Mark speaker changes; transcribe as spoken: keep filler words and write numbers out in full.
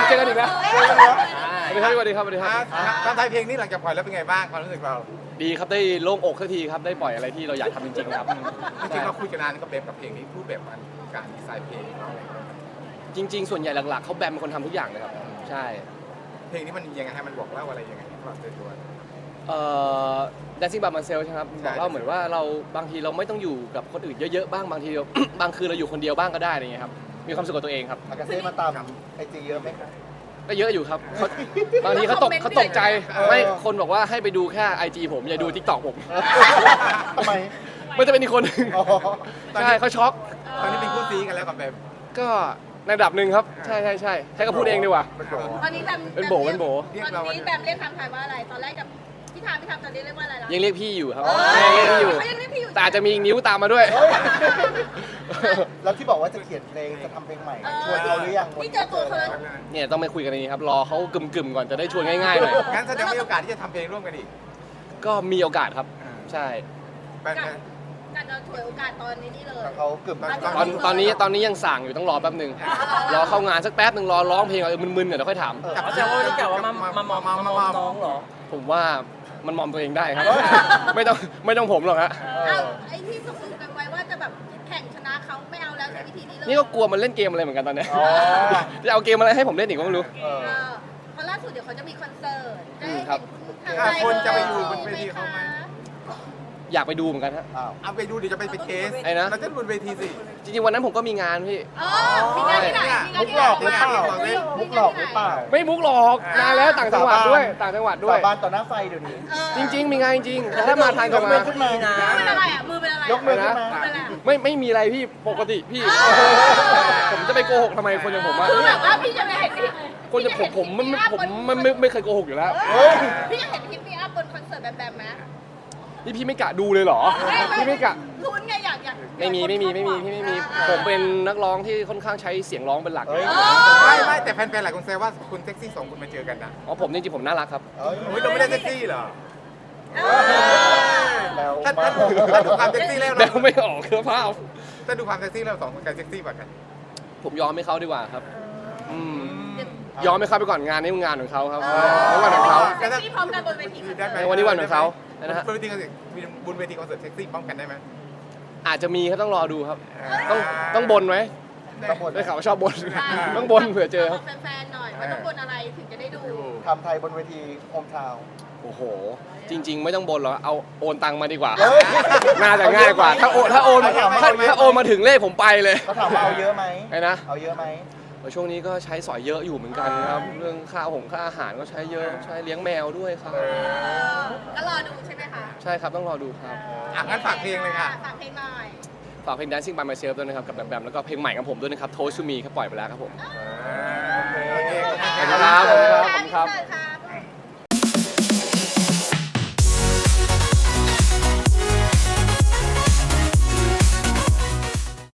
Speaker 1: เจอกันอีกนะสวัสดีครับสวัสดีครับสวัสดีครับ
Speaker 2: การถ่ายเพลงนี้หลังจากปล่อยแล้วเป็นไงบ้างความรู้สึกเรา
Speaker 1: ดีครับได้โล่งอกสักทีครับได้ปล่อยอะไรที่เราอยากทำจริงๆครับ
Speaker 2: จริงๆเราคุยกันนานกับเบมกับเพลงนี้รูปแบบมันการดีไซน์เพลงเรา
Speaker 1: จริง ๆ ส่วนใหญ่หลักๆเขาแบมเป็นคนทำทุกอย่างเลยครับใช่
Speaker 2: เพลงนี้มันยังไงให้มันบอกเล่าอะไรยังไงสำหรับตัว
Speaker 1: เอ่อ Dancing by myself ใช่ไหมครับบอกเล่าเหมือนว่าเราบางทีเราไม่ต้องอยู่กับคนอื่นเยอะๆบ้างบางทีเรา บางคืนเราอยู่คนเดียวบ้างก็ได้อะไรเงี้ยครับมีความสุขกับตัวเองครับ
Speaker 3: อากาเซ่มาตามไอจีเยอะไหมครับ
Speaker 1: ก็เยอะอยู่ครับเขาบางทีเขาตกเขาตกใจไม่คนบอกว่าให้ไปดูแค่ ไอ จี ผมอย่าดู ทิกตอก ผม
Speaker 3: ทำไม
Speaker 1: ไม่จะเป็นอีกคนหนึ่ง
Speaker 3: อ๋อ
Speaker 1: ใช่เขาช็อก
Speaker 2: ตอนนี้เป็นคู่ซีกันแล้วกับเบม
Speaker 1: ก็ในระดับหนึ่งครับใช่ใช่ใช่ใช้ก็พูดเองดีกว่า
Speaker 4: ตอนนี้แบม
Speaker 1: เป็นโบเป็นโบ
Speaker 4: ตอนนี้แบมเรียกคำไทยว่าอะไรตอนแรกกับพี่ทามพี่ทามตอนนี้เรียกว่าอะไรแล้ว
Speaker 1: ยังเรียกพี่อยู่ครับ
Speaker 4: เออ
Speaker 1: ยังเรียกพี่อยู่
Speaker 4: เขายังเรียกพี่อยู่
Speaker 1: แต่อาจจะมีนิ้วตามมาด้วย
Speaker 3: แล้วที่บอกว่าจะเขียนเพลงจะทำเพลงใหม่ชวนเราหรือยัง
Speaker 4: พี่เจอตัวเขาแล้ว
Speaker 1: เนี่ยต้องไปคุยกันในนี้ครับรอเขากึ่มๆก่อนจะได้ชวนง่ายๆหน่อย
Speaker 2: งั้นแสดงว่ามีโอกาสที่จะทำเพลงร่วมกันอีก
Speaker 1: ก็มีโอกาสครับใช่
Speaker 2: แบม
Speaker 4: การจะถวยโอกาสตอนนี้นี่เลย
Speaker 3: แต่เขากึ่ม
Speaker 1: ตอนตอนนี้ตอนนี้ยังสั่งอยู่ต้องรอแป๊บหนึ่งรอเข้างานสักแป๊บหนึ่งรอร้องเพลงเออมึนๆเดี๋ยวค่อยถาม
Speaker 2: กับ
Speaker 5: เขาจะว่าที่กล่าวว่ามามามอมมามอมน้องเหรอ
Speaker 1: ผมว่ามันมอมตัวเองได้ครับ ไม่ต้องไม่ต้องผมหรอกฮะ
Speaker 4: เอ้าไอ้ที่ตกลงกันไว้ว่าจะแบบแข่งชนะเขาไม่เอาแล้วใช้วิธีนี้เลย
Speaker 1: นี่ก็กลัวมันเล่นเกมอะไรเหมือนกันตอนเนี้ย
Speaker 3: อ๋อ
Speaker 1: จะเอาเกมอะไรให้ผมเล่นอีกก็ไม่รู้
Speaker 3: เออ
Speaker 4: เออเพราะล่าสุดเดี๋ยวเขาจะมีคอนเสิร์ตได้
Speaker 1: อืม
Speaker 4: เห็น
Speaker 1: ครับ
Speaker 4: คุณทำ
Speaker 2: คนจะไปอยู่บนเวทีเขาไหม
Speaker 1: อยากไปดูเหมือนกันฮะ
Speaker 3: อ้าว
Speaker 2: เอาไปดูเดี๋ยวจะไปเป็นเคส
Speaker 1: ไอ้นะ
Speaker 2: เราจะบนเวทีสิ
Speaker 1: จริงๆวันนั้นผมก็มีงานพี่
Speaker 4: เออมีงานที่ไหนมีงาน
Speaker 3: มุก
Speaker 4: ที่
Speaker 3: ห
Speaker 4: ไห
Speaker 3: ล
Speaker 4: น
Speaker 3: อกหรือเปล่ามุกหลอกหรือเปล่า
Speaker 1: ไม่มุกหรอกนานแล้วต่างจังหวัดด้วยต่างจังหวัดด้วย
Speaker 3: สาบานต่อหน้าไฟเดี๋ยวนี้
Speaker 4: เออ
Speaker 1: จริง ๆ มีงานจริงๆแต่ถ้ามาทางจะ
Speaker 3: ยก
Speaker 1: มา
Speaker 3: มือขึ้นมา
Speaker 5: นะ
Speaker 4: มือเป็นอะไรอ่ะมือเป็นอะไร
Speaker 3: ยกมือขึ้นมา
Speaker 4: มือเป็นอะไร
Speaker 1: ไม่ไม่มีอะไรพี่ปกติพี่ ผมจะไปโกหกทำไมคนอย่างผมอะ
Speaker 4: คือแบบว่าพี่จะไม่เห็นพี่
Speaker 1: คนอย่างผมผมมันผมมันไม่ไม่เคยโกหกอยู่แล้ว
Speaker 3: เฮ้ย
Speaker 4: พี่จะเห็นคลิปพี่อัพบนคอนเสิร์ตแบบแบบไหม
Speaker 1: นี่พี่ไม่กะดูเลยเหรอพี่ไม่กะ
Speaker 4: ลุ้นไงอยากอยาก
Speaker 1: ไม่มีไม่มีไม่มีพี่ไม่มีผมเป็นนักร้องที่ค่อนข้างใช้เสียงร้องเป็นหลัก
Speaker 3: เฮ้ย
Speaker 2: ไม่ไม่แต่แฟนๆหลายคนแซวว่าคุณเซ็กซี่สองคนมาเจอกันนะ
Speaker 1: อ๋อผมจริงๆผมน่ารักครับ
Speaker 3: เฮ้ย
Speaker 2: โอ้ยเราไม่ได้เซ็กซี่เหรอ
Speaker 3: แล้ว
Speaker 2: ถ้าถ้าดูถ้าดูความเซ็กซี่แล้ว
Speaker 1: แบ
Speaker 2: เรา
Speaker 1: วไม่ออกเครือภาพ
Speaker 2: ถ้าดูความเซ็กซี่แล้วสองคนใครเซ็กซี่กว่ากัน
Speaker 1: ผมยอมให้เขาดีกว่าครับอืมยอมให้เขาไปก่อนงานนี้มันงานของเขาครับในวันของเขา
Speaker 4: เซ็กซี่พร้อมกันบนเวทีคอนเสิร์ต
Speaker 1: ในวันนี้วันของเขานะฮะ
Speaker 2: บนเวทีคอนเสิร์ตมีบนเวทีคอนเสิร์ตเซ็กซี่ป้องกันได้ไหม
Speaker 1: อาจจะมีครับต้องรอดูครับ ต้องต้องบนไหม
Speaker 3: ต้องบน
Speaker 1: ได้ข่าวว่าชอบบนต้องบนเผื่อเจอครับ
Speaker 4: แฟนๆหน่อยว่าต้องบนอะไรถึงจะได้ดู
Speaker 3: ทำไทยบนเวทีโฮมทาวน์
Speaker 1: โอ้โห จริง ๆ ไม่ต้องบนหรอกเอาโอนตังมาดีกว่า
Speaker 3: เฮ้ย
Speaker 1: น่าจะง่ายกว่า ถ้าโอนถ้าโอนถ้าถ้าโอนมาถึงเลขผมไปเลย
Speaker 3: เขาถามว่าเอาเยอะไหม
Speaker 1: ไอ้นะ
Speaker 3: เอาเยอะไหม
Speaker 1: ช่วงนี้ก็ใช้สอยเยอะอยู่เหมือนกันครับ เรื่องค่าหงค่าอาหารก็ใช้เยอะใช้เลี้ยงแมวด้วยครับ
Speaker 4: ก็รอดูใช่ไหมคะ
Speaker 1: ใช่ครับต้องรอดูครับ
Speaker 2: อ่ะงั้นฝากเพลงเลยค่ะ
Speaker 4: ฝากเพลงหน่อย
Speaker 1: ฝากเพลง Dancing by myself ด้วยนะครับกับแบมแบมแล้วก็เพลงใหม่ของผมด้วยนะครับ Toast to me ครับปล่อยไปแล้วครับผม
Speaker 2: โอเค
Speaker 1: ขอบคุณครับขอบคุณครับ
Speaker 4: ขอบคุณค่ะ